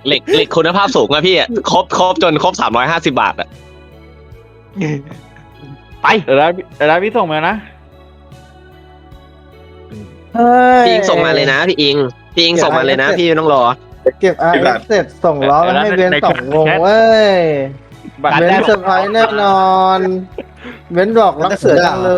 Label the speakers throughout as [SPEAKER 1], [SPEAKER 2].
[SPEAKER 1] เหล็กคุณภาพสูงอะพี่ครบจนครบ350 บาทอะไป
[SPEAKER 2] เดี๋ยวได้พี่ส่งมานะ
[SPEAKER 3] เฮ้ย
[SPEAKER 1] พี่อิงส่งมาเลยนะพี่อิงส่งมาเลยนะพี่ไม่ต้องรอ
[SPEAKER 3] เก็บอาร์เอฟเสร็จส่งล้อมาให้เบนสองวงเว้ย
[SPEAKER 2] บัตร
[SPEAKER 3] เบนเซอร์ไพรส์แน่นอนเบนบอกรักเสือจังเลย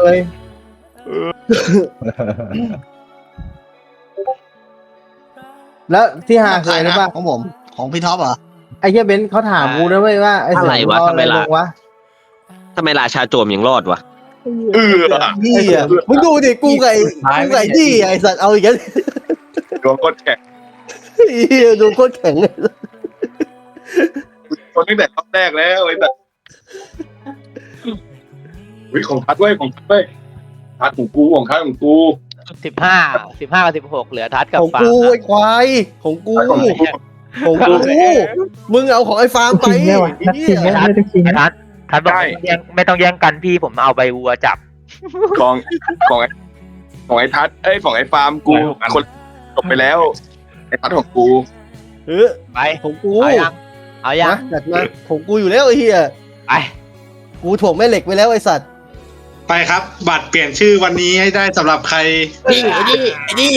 [SPEAKER 3] แล้วที่หาเคยหรือเปล่า
[SPEAKER 4] ของผมของพี่ท็อปเหรอ
[SPEAKER 3] ไอ้เหี้ยเบนเขาถามกูนะเว้ยว่าไอ้เสือ
[SPEAKER 1] อะไรวะ
[SPEAKER 3] มึงเอาอะไร
[SPEAKER 1] ทำไมล่ะ
[SPEAKER 3] ลงวะ
[SPEAKER 1] ทำไมราชาโจมยังรอดวะ
[SPEAKER 4] นี่อ่ะมึงดูดิกูไก่ที่ไอสัตว์เอาอีกแล้ว
[SPEAKER 5] ดวงโคตรแข็ง
[SPEAKER 4] เหี้ยดูโคตรแข็งเลย
[SPEAKER 5] คนตั้งแต่รอบแรกแล้วไอ้แบบวิของทัดเว้ยทัดของกู
[SPEAKER 6] 15กับ16เหลือทัดกับ
[SPEAKER 4] ของ
[SPEAKER 6] ฟาร์
[SPEAKER 4] กู
[SPEAKER 6] ม
[SPEAKER 4] ไอ้ควายของกู
[SPEAKER 5] ทัดของกู
[SPEAKER 4] ของกูมึงเอาของไอ้ฟาร์มไป
[SPEAKER 3] จริงไหมวะ
[SPEAKER 4] ไอ้เหี้ย
[SPEAKER 3] ไม่ได้จริง
[SPEAKER 6] ไอ้ทัดบอกไม่ต้องแย่งกันพี่ผมเอาใบวัวจับ
[SPEAKER 5] ของไอ้ทัดของไอ้ฟาร์มกูคนจบไปแล้วไอ้ทัดของกู
[SPEAKER 4] เออ
[SPEAKER 6] ไป
[SPEAKER 4] ของกู
[SPEAKER 6] เอายัง
[SPEAKER 4] มาจัดมาของกูอยู่แล้วไอ้เหี้ย
[SPEAKER 6] ไป
[SPEAKER 4] กูถ่วงแม่เหล็กไปแล้วไอ้สัตว์
[SPEAKER 7] ไปครับ บัตรเปลี่ยนชื่อวันนี้ให้ได้สำหรับใคร
[SPEAKER 4] นี่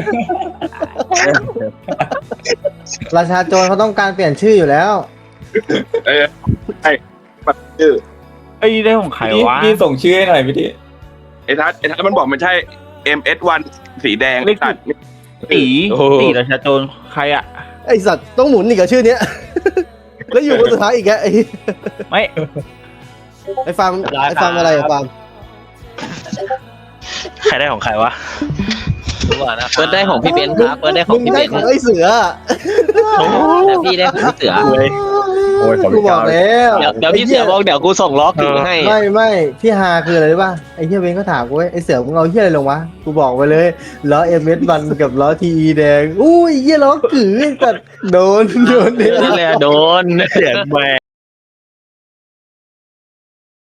[SPEAKER 3] ราชาโจรเขาต้องการเปลี่ยนชื่ออยู่แล้ว
[SPEAKER 5] ปัดชื่อ
[SPEAKER 2] ไอ้ยได้ของใครวะ
[SPEAKER 8] พี่ส่งชื่อให้หน่อยพี่ดิ
[SPEAKER 5] ไอ้ทัดมันบอกมันใช่ MS1 สีแดงไอ้สัตว์
[SPEAKER 2] ตีราชาโจรใครอะ
[SPEAKER 4] ไอ้สัตว์ต้องหมุนอีกกับชื่อเนี้ย แล้วอยู่คนสุดท้ายอีกแกไอ้
[SPEAKER 2] ไม่
[SPEAKER 4] ไอ้ฟาร์มอะไรอะฟาร์ม
[SPEAKER 8] ใครได้ของใครวะ
[SPEAKER 6] ดูก่อนนะ
[SPEAKER 1] เปิดได้ของพี่เบนซ์ครับเปิดได้ของ
[SPEAKER 4] มึง
[SPEAKER 1] พี่เบ
[SPEAKER 4] ได้
[SPEAKER 1] นซ์
[SPEAKER 4] ของไอ้เสือ
[SPEAKER 1] แต่พี่ได้ของพี่เสือ
[SPEAKER 8] โอ้ยขอบ
[SPEAKER 3] กู
[SPEAKER 8] คุณ
[SPEAKER 3] บ
[SPEAKER 8] ค
[SPEAKER 3] อ
[SPEAKER 8] รั
[SPEAKER 3] ก
[SPEAKER 8] บ
[SPEAKER 3] แล้ว
[SPEAKER 1] เดี๋ยวพี่เสือบอกเดี๋ยวกูส่งล็อกถึงให้
[SPEAKER 3] ไม่ที่ฮาคืออะไรรู้ป่ะไอ้เหี้ยเบนเขาถามกูเว้ยไอ้เสือมึงเอาเหี้ยอะไรลงวะกูบอกไปเลยล้อเอ็มเอสบันกับล้อทีอีแดงอุ้ยเหี้ยล้อกือแต่โดน
[SPEAKER 1] นั่นแหละโดน
[SPEAKER 8] เสียงแหว